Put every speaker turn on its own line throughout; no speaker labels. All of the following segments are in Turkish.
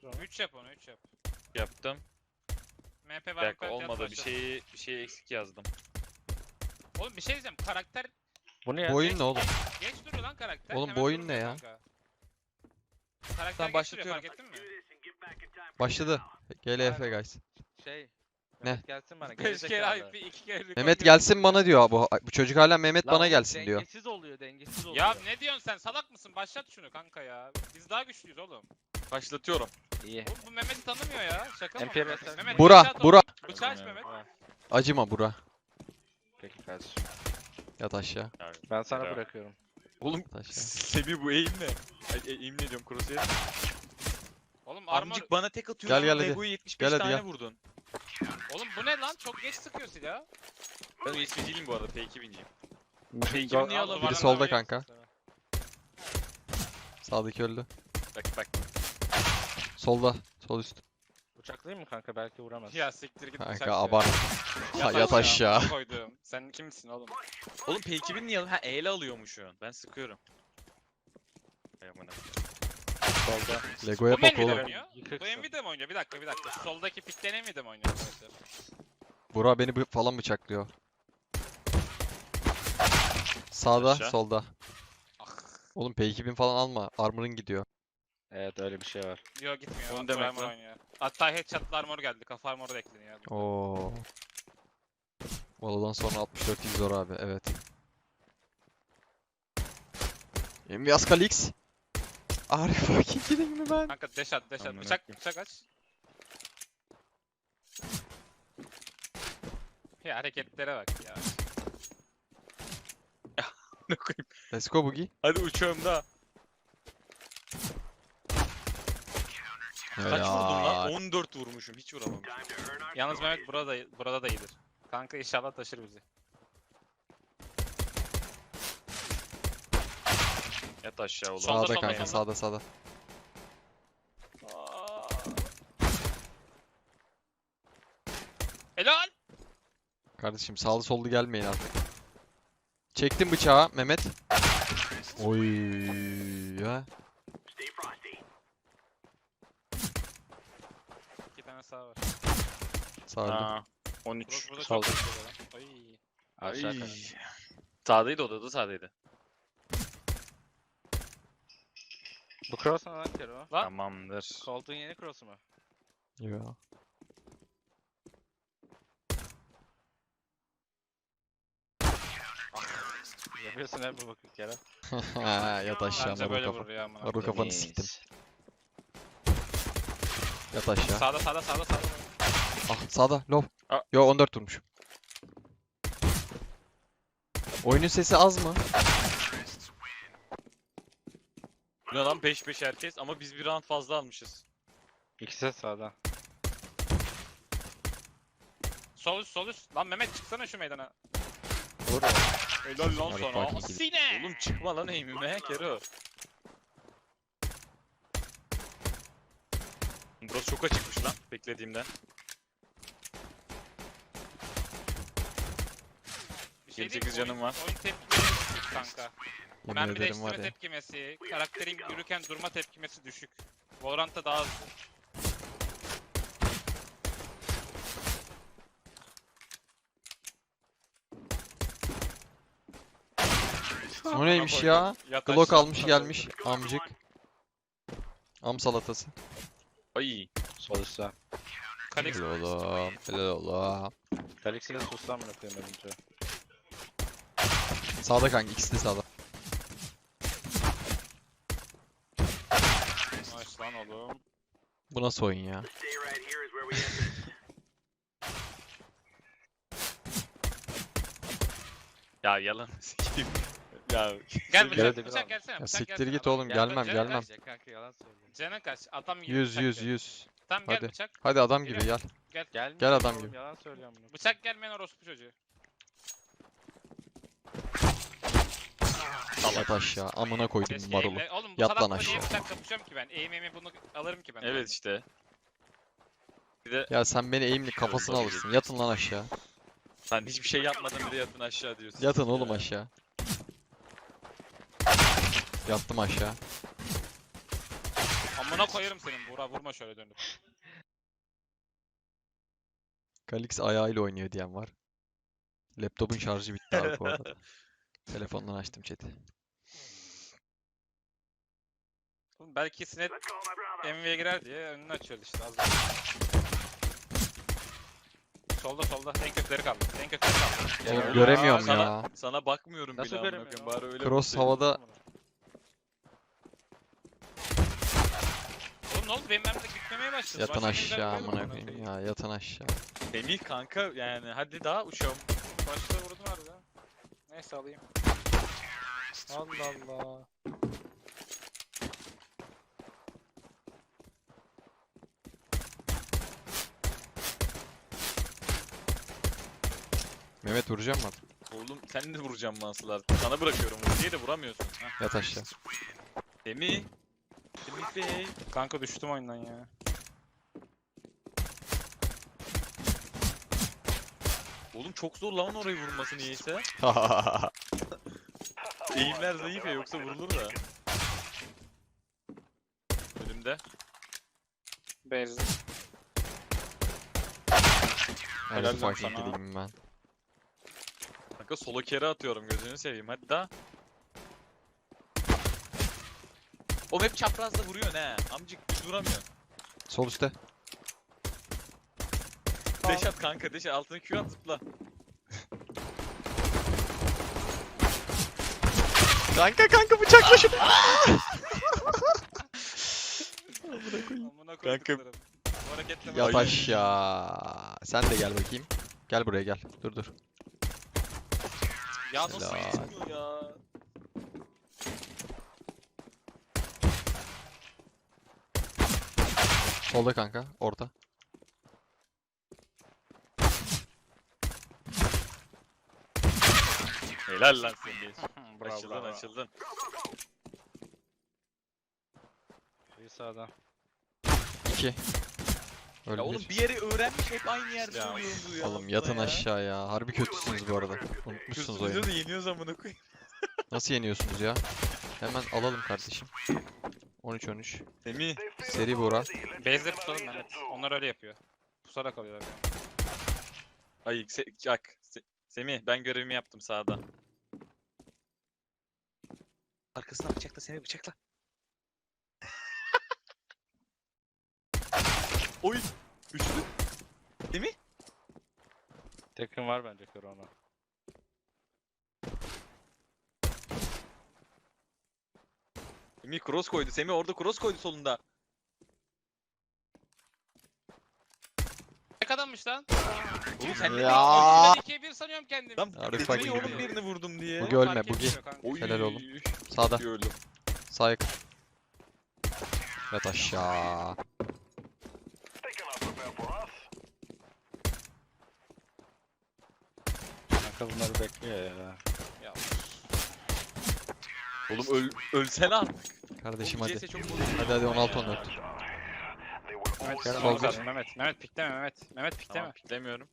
onu.
3 yap onu 3 yap.
Yaptım.
MP
Bir
var.
dakika olmadı. Bir şeyi eksik yazdım.
Oğlum bir şey diyeceğim. Karakter
Bu ne ya?
Bu oyun ne oğlum?
geç duruyor lan karakter.
Oğlum,
Hemen
bu oyun
durmuyor
ne ya?
kanka. Karakter
Tamam,
geç duruyor
başlatıyorum.
fark ettin mi?
Başladı. GLF guys.
Şey.
Ne?
Mehmet gelsin bana.
5 kere
gerizekalı.
IP 2 kere rekor
Mehmet
kırdı.
gelsin bana diyor bu çocuk hala Mehmet
Lan
bana
oğlum,
gelsin diyor.
Dengesiz oluyor, dengesiz oluyor.
Ya ne diyorsun sen salak mısın? Başlat şunu kanka ya. Biz daha güçlüyüz oğlum.
Başlatıyorum.
İyi.
Oğlum bu Mehmet'i tanımıyor ya. Şaka mı?
MPRS
Mehmet
Bura,
bıçağı
bura.
topla. Bıçağı aç Mehmet.
Ha,
Acıma bura.
peki kardeşim.
Yat aşağı.
Ben sana
Bravo.
bırakıyorum.
Oğlum
Yat aşağı.
Semih bu eğim ne? Eğim ne diyorum crosshair.
Oğlum armor...
Amcık bana tek atıyor.
Gel, gel hadi.
Lego'yu 75
Gel hadi,
tane
gel.
vurdun.
Oğlum bu ne lan? Çok geç sıkıyor silah.
Ben USB'ciyim bu arada. P2000'ciyim.
Go-
P2000 niye
Al,
alamıyorum?
Biri
duvardan
solda
vuruyor
kanka.
musun sana?
Sağdaki öldü.
Bak.
Solda. Sol üst.
Bıçaklayayım mı kanka? Belki vuramaz.
Ya siktir git bıçak
Kanka
ya.
abart. Yat aşağı.
Koydum. Sen kimsin oğlum?
Oğlum P2000 niye alıyorsun? Ha E'yle alıyormuşsun. Ben sıkıyorum. Ay amına.
Solda.
Lego'ya
Bu
bak
Nvidia
oğlum.
mi oynuyor?
Yıkıksın.
Bu Nvidia mi oynuyor? Bir dakika. Soldaki pikten Nvidia mi oynuyor arkadaşlar?
Bura beni falan bıçaklıyor. Sağda,
Aşağı.
solda.
Ah.
Oğlum P2000 falan alma. Armor'ın gidiyor.
Evet öyle bir şey var.
Yok gitmiyor.
Onu
Onu
demek
armor
lan.
oynuyor. Hatta headshot'lı armor geldi. Kafa armoru da ekleniyor.
Oo. Valo'dan sonra 64 zor abi. Evet. Envias Kalix. Arif fucking kidding mi ben?
Kanka dash at.
Amına
Bıçak
koyayım.
aç. Ya hareketlere bak ya.
Ne koyayım?
Let's go Boogie.
Hadi uçuyorum da. Kaç vurdum lan? 14 vurmuşum. Hiç vuramamışım.
Yalnız Mehmet burada da iyidir. Kanka inşallah taşır bizi.
Yat aşağı oğlum.
Solda,
Sağda
solda,
kanka,
solda.
sağda.
Helal.
Kardeşim sağlı sollu gelmeyin artık. Çektim bıçağı Mehmet. Oy ya.
2 tane sağ var.
Sağ öldü.
Ha, 13.
Burası burada
Solda.
çok güzel lan. Ay.
Aşağı
Ay.
kanka.
Sağdaydı odada sağdaydı.
Bu cross mu lan Kero?
Lan.
Tamamdır.
Koltuğun yeni cross'u mu?
Ya.
Yapıyorsun hep bu bakık Kero.
Yat aşağı
Anca
marul
böyle
kafa.
vurur ya amına.
Marul kafanı
Temiz.
siktim. Yat aşağı.
Sağda.
Ah sağda low.
Aa.
Yo 14 vurmuş. Oyunun sesi az mı?
Bu ne lan 5-5 herkes ama biz bir round fazla almışız.
İkisi de sağda.
Sol üst. Lan Mehmet çıksana şu meydana.
Vur.
Helal lan
Hadi
sana.
fucking gidin.
Sine.
Oğlum çıkma lan eğimime Kero. Burası çok açıkmış lan beklediğimden.
Bir şey
28
diyeyim mi?
canım var.
Oyun tepkileri düşük kanka.
Yemin
Mermi
ederim
değiştirme
var ya.
tepkimesi, karakterin yürürken durma tepkimesi düşük. Valorant'ta daha hızlı.
O neymiş
koydum.
ya?
Yat
Glock
aşağı.
almış gelmiş amcık. Am salatası.
Ay.
Sol üstte.
Kalix.
Helal oğlum. Helal oğlum.
Kalix'i de sustan mı koyayım önce?
Sağda kanka ikisi de sağda.
Nice lan oğlum.
Bu nasıl oyun ya?
Ya yalan sikeyim. Ya
Gel
Gel
bıçak,
hadi.
bıçak gelsene.
Ya
Bıçak
siktir
gelsene,
git
adam
oğlum
gel.
gelmem
Canın
gelmem.
kaç?
Kanka yalan söylüyor.
Canın kaç? Adam gibi
100
bıçak
100
gel.
100.
Tamam gel
Hadi.
bıçak.
Hadi adam gibi gel.
Gelmiyor
Gel adam
oğlum,
gibi.
Yalan söylüyorum bunu.
Bıçak gelmeyen orospu çocuğu.
Yat aşağı. Amına koydum
Keşke
marulu.
eğimle- Oğlum bu
Yat lan
salakla niye
aşağı.
bıçak kapışıyorum ki ben? Eğimimi bunu alırım ki ben.
evet işte. Bir de
Ya sen beni eğimli kafasına alırsın. Yatın lan aşağı.
sen hiçbir şey yapmadan bir de yatın aşağı diyorsun.
Yatın oğlum
Ya.
aşağı. Yattım aşağı.
Amına Amına koyarım senin Buğra, vurma şöyle dönüp.
Kalix ayağıyla oynuyor diyen var. Laptopun şarjı bitti abi bu arada. Telefondan açtım chat'i.
Oğlum belki Sinet MV'ye girer diye önünü açıyordu işte az Solda en kötüleri kaldı. En kötüleri kaldı.
Oğlum
Helal.
göremiyorum
Sana-
ya.
Sana bakmıyorum
Nasıl
bile amına
göremiyorum
koyayım. Bari öyle
Cross
vursaydın.
havada.
Oğlum ne oldu? Benim mermide gitmemeye başladı.
Yatın
Başka bir
aşağı
yerden
amına
koyayım.
koyayım ya. Yatın aşağı.
Semih kanka yani hadi daha uçalım.
Başta vurdum harbiden. Neyse alayım. Allah Allah.
Mehmet vuracağım mı?
Oğlum sen de vuracağım mansılar. Sana bırakıyorum vur diye de vuramıyorsun. Heh.
Yat aşağı.
Semih. Semih Bey.
Kanka düştüm oyundan ya.
Oğlum çok zor lan orayı vurması niyeyse. Eğimler zayıf ya yoksa vurulur da. Önümde.
Bezdi.
Her
Helal lan
fucking
sana.
gideyim ben.
Kanka solo kere atıyorum gözünü seveyim hadi daha. O hep çaprazla vuruyor ne? Amcık düz vuramıyor.
Sol üstte.
Deş at kanka deş at altına Q at zıpla.
Kanka bıçakla şunu.
Amına
Kanka.
koyduklarım. Bu hareketle
Yat
Ay.
aşağı. Sen de gel bakayım. Gel buraya gel. Dur.
Ya nasıl
Helal.
yetmiyor ya?
Solda kanka. Orta.
Helal lan Semih.
Bravo,
Açıldın
bravo.
açıldın.
Bir sağdan.
2.
Ya
Öyle
oğlum
bir.
bir yeri öğrenmiş hep aynı yerde
Ya.
söylüyordu ya.
Oğlum yatın aşağı ya. Harbi kötüsünüz bu arada. Unutmuşsunuz oyunu.
Kızımızı da yeniyoruz amına koyayım.
Nasıl yeniyorsunuz ya? Hemen alalım kardeşim. 13-13.
Semih.
Seri Bora.
Base'leri tutalım Mehmet. Onlar öyle yapıyor. Pusarak alıyorlar yani.
Ay Semih ben görevimi yaptım sağda. Arkasına bıçakla Semih bıçakla. Oy. Üçlü. Semih.
Tekin var bence kör ona.
Semih cross koydu. Semih orada cross koydu solunda.
Ne kadarmış lan?
Oğlum sen ne
Ya.
bekliyorsun?
Ben 2'ye 1 sanıyorum kendimi.
Lan
Arif
Semih
fucking
oğlum
gidiyor.
birini vurdum diye.
Bugi ölme
Fark
Bugi.
etmiyor kanka.
Oy.
Helal oğlum. Sağda.
Öldüm.
Sağ yakın. Yat aşağı.
Kanka bunları bekliyor ya.
Ya.
Oğlum ölsene artık.
Kardeşim
Oğlum,
hadi.
CS çok bozuldu.
Hadi 16-14.
Mehmet
Gel
sol
bak.
zaten Mehmet. Mehmet pikleme Mehmet. Mehmet pikleme.
Tamam piklemiyorum.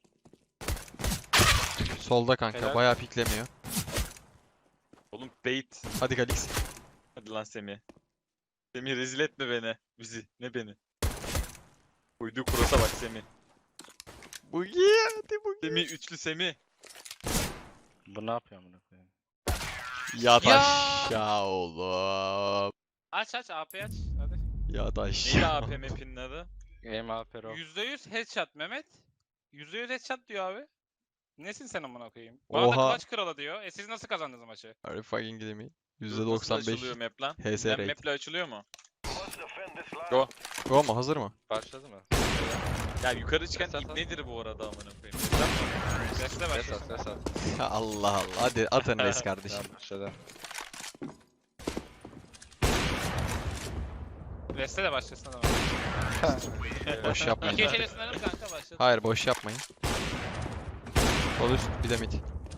Solda kanka.
Helal.
Bayağı piklemiyor.
Oğlum bait.
Hadi Galix.
Hadi lan Semih. Semih rezil etme beni. Bizi. Ne beni. Uyduğu cross'a bak Semih.
Bugi. Hadi Bugi.
Semih üçlü Semih.
Bu ne yapıyor amına koyayım?
Yat
Ya.
aşağı oğlum.
Aç AP aç. Hadi.
Yat
Neydi
aşağı.
AP map'inin adı?
Game AP Rock.
%100 headshot Mehmet. %100 headshot diyor abi. Nesin sen amına koyayım? Bana da
Oha.
clutch kralı diyor. Siz nasıl kazandınız maçı?
Are you fucking kidding me?
Nasıl açılıyor
%95
map lan?
HS
Ben
rate.
map'le açılıyor mu?
Go mu? Hazır mı?
Başladı mı?
Ya yukarı çıkan
Ses at,
ip
at.
nedir bu arada amına koyayım?
Resle
Ses at
başlasın.
ses at.
Ya Allah Allah. Hadi atın res kardeşim.
Tamam başladı.
Resle de başlasın adam.
Boş yapmayın.
İki kere sınırım kanka başladı.
Hayır boş yapmayın. Sol üst bir de mid.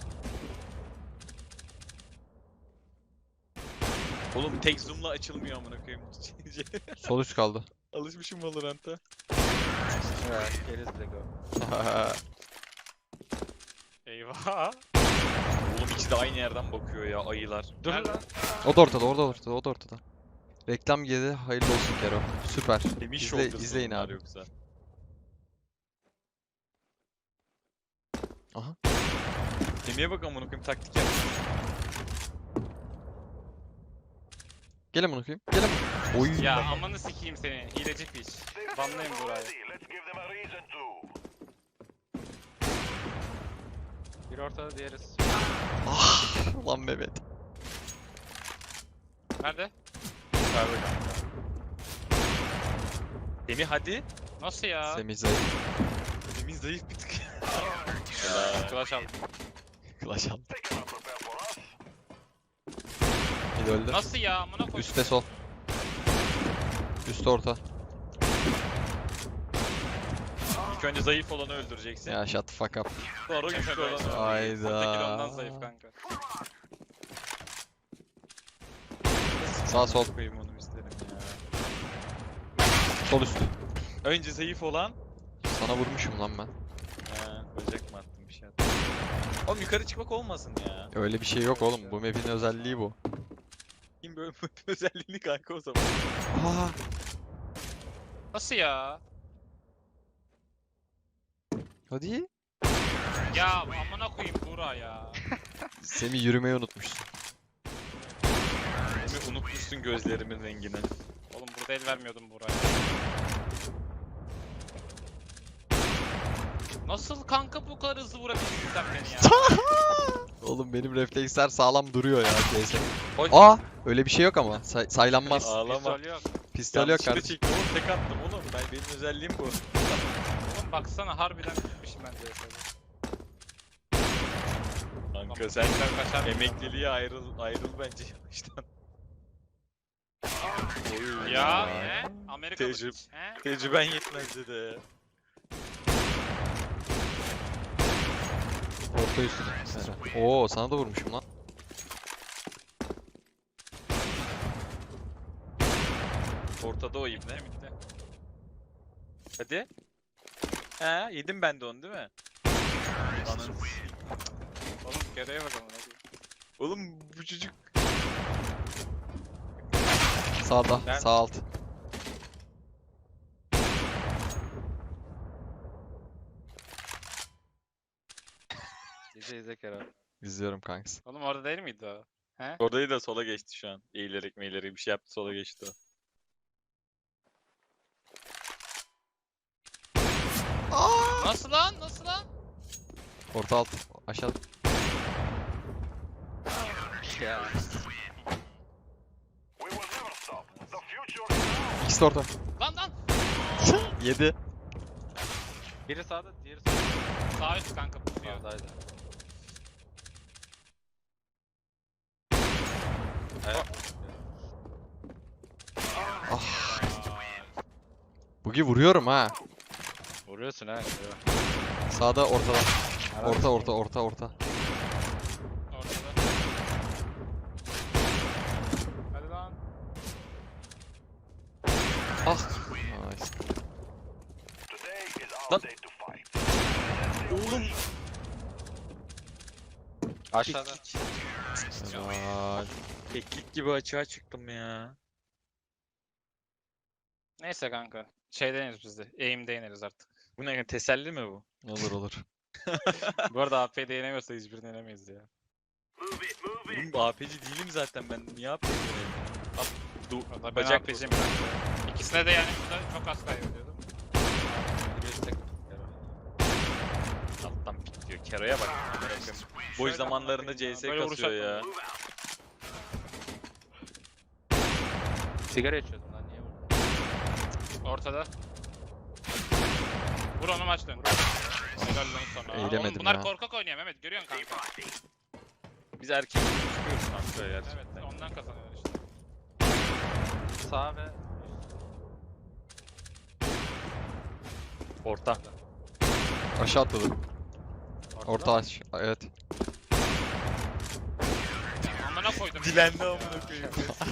Oğlum tek zoom'la açılmıyor amına koyayım.
Sol üst kaldı.
Alışmışım Valorant'a.
Evet, geriz de go.
Eyvah.
Oğlum ikisi de aynı yerden bakıyor ya ayılar.
Dur
Nerede?
lan.
O da ortada, o da ortada, o da ortada. Reklam girdi. Hayırlı olsun Kero. Süper.
Semih
İzle,
shoulders'ı
izleyin
bunlar
abi.
Yoksa.
Aha.
Semih'e bak amına koyayım taktik yap.
Gelin bunu koyayım. Gelin. Oy.
Ya amanı sikeyim seni. Hileci piç. Banlayın burayı.
Bir ortada diğeri
Ah lan Mehmet.
Nerede?
Yukarıda kanka. Semih hadi.
Nasıl ya?
Semih zayıf.
Semih zayıf bir tık.
Clash aldım.
Clash aldı. Bir öldü.
Nasıl ya? Amına koydum.
Üste sol. Üste orta.
İlk önce zayıf olanı öldüreceksin.
Ya shut the fuck up.
Sonra güçlü olanı.
Soldaki ondan
Hayda.
zayıf kanka.
Sağ sol.
Koyayım onu isterim ya.
Sol üst.
Önce zayıf olan.
Sana vurmuşum lan ben.
Bacak mı attım bir şey attım. Oğlum yukarı çıkmak olmasın ya.
Öyle bir şey yok oğlum. Bu map'in özelliği bu.
Kim böyle özelliğini kanka o zaman.
Aa.
Nasıl ya?
Hadi.
Ya amına koyayım Buğra ya.
Semih yürümeyi unutmuşsun.
Semih unutmuşsun gözlerimin rengini.
Oğlum burada el vermiyordum Buğra'ya. Nasıl kanka bu kadar hızlı vurabildin sen beni ya?
Oğlum benim refleksler sağlam duruyor ya CS.
Oy.
Aa, öyle bir şey yok ama. Saylanmaz.
Ağlama.
Pistol yok.
Pistol yok
Yanlışlıkla
kardeşim.
çektim oğlum tek attım oğlum. Benim özelliğim bu.
Oğlum baksana harbiden bitmişim ben CS'de.
Kanka sen
kaçar mısın?
emekliliğe ayrıl bence yavaştan. Oy.
Ya ne? Amerikalı
Tecrübe-
piç, he?
Tecrüben yetmez dedi.
Orta üst. Oo, sana da vurmuşum lan.
Ortada o ibne.
Bitti.
Hadi. He yedim ben de onu değil mi? Ananı
Oğlum gereye bak amına koyayım.
Oğlum bu çocuk
Sağda,
Ben-
sağ alt.
İzle Kero.
İzliyorum kanks.
Oğlum orada değil miydi o? He?
oradayı da sola geçti şu an. Eğilerek meylerek bir şey yaptı sola geçti o.
Nasıl lan? Nasıl lan?
Orta alt. Aşağı.
Ya.
İkisi de orta.
Lan!
7.
Biri sağda, diğeri solda.
Sağ üst kanka pusuyor.
Sağdaydı. Evet.
Bugi vuruyorum ha.
Vuruyorsun ha. Kero.
Sağda, ortada. Orta, orta, orta, orta.
Ortada. Hadi lan.
Ah. Nice.
Lan. Oğlum.
Aşağıda.
Helal.
Keklik gibi açığa çıktım ya.
Neyse kanka. Şey deneriz biz de. Aim'de ineriz artık.
Bu ne teselli mi bu?
Olur olur.
Bu arada AP'de yenemiyorsa hiçbirini yenemeyiz ya.
Oğlum AP'ci değilim zaten ben. Niye AP'ci olayım?
Valla ben
Bacak
AP'ciyim kanka. İkisine de yani burada çok az kaybediyordum.
Biri üstte. Kero.
Alttan pikliyor. Kero'ya bak. Amına koyayım. Boş
Şöyle
zamanlarında
amına koyayım
CS
ya, böyle vuruş
kasıyor ya.
atmadım.
Sigara içiyordun lan, niye vurdun?
Ortada. Vur onu maç dön. Helal lan sana.
Eğilemedim
Oğlum bunlar
ya.
korkak oynuyor Mehmet görüyorsun kanka.
Biz erkek çıkıyoruz kanka gerçekten.
Evet ondan kazanıyor işte.
Sağ ve
Orta.
Aşağı atladı.
ortada.
Orta aç. Evet.
Amına koydum.
Dilendi amına koyayım.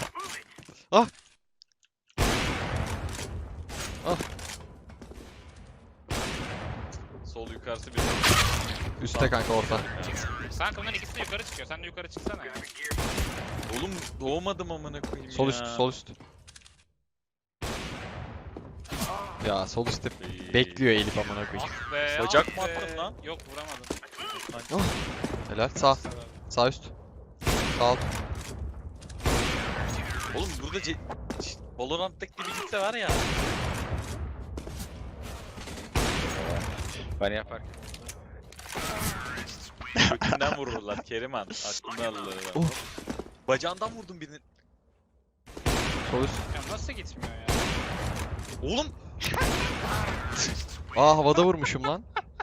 Sol yukarısı bir.
Üste kanka orta.
Kanka bunların ikisi de yukarı çıkıyor. Sen de yukarı çıksana ya.
Oğlum doğmadım amına koyayım
Sol
ya.
üst, sol üst. Ya sol üstte
Ey.
bekliyor Elif amına koyayım.
Ah be.
Bacak
ah
mı
be.
attın lan?
Yok vuramadım.
Helal. Sağ. Sağ üst. Sağ alt.
Oğlum burada Valorant'taki gibi gitse var ya.
Ben yaparken.
Kökünden vururlar Keriman. Aklını alırlar.
Oh.
Bacağından vurdum birini.
Sol üst.
Ya nasıl gitmiyor ya?
Oğlum.
Aa havada vurmuşum lan.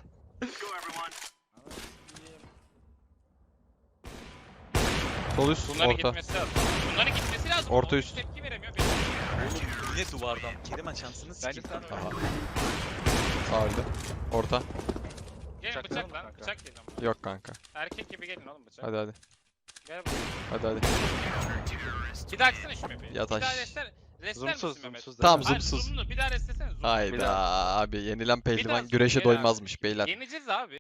Sol üst.
Bunların
Orta.
gitmesi lazım. Bunların gitmesi lazım.
Orta
O
üst.
Tepki veremiyor.
Oğlum yine duvardan. Keriman şansını
Bence
sikeyim.
sen
Aha. Sağ öldü. Orta.
Gelin
Bıçak
bıçak
var mı
lan.
kanka?
Bıçak gelin ama.
Yok kanka.
Erkek gibi gelin oğlum bıçak.
Hadi hadi.
Gel buraya.
Hadi hadi.
Bir daha açsana şu map'i.
Yataş.
Bir daha restler. Restler misin
Zoomsuz
Mehmet?
zoomsuz.
Tamam,
Hayır,
zoomsuz.
zoomlu. Bir daha restlesene zoomlu.
Hayda abi yenilen pehlivan
zoom
güreşe
gel abi.
doymazmış beyler.
Yeneceğiz abi.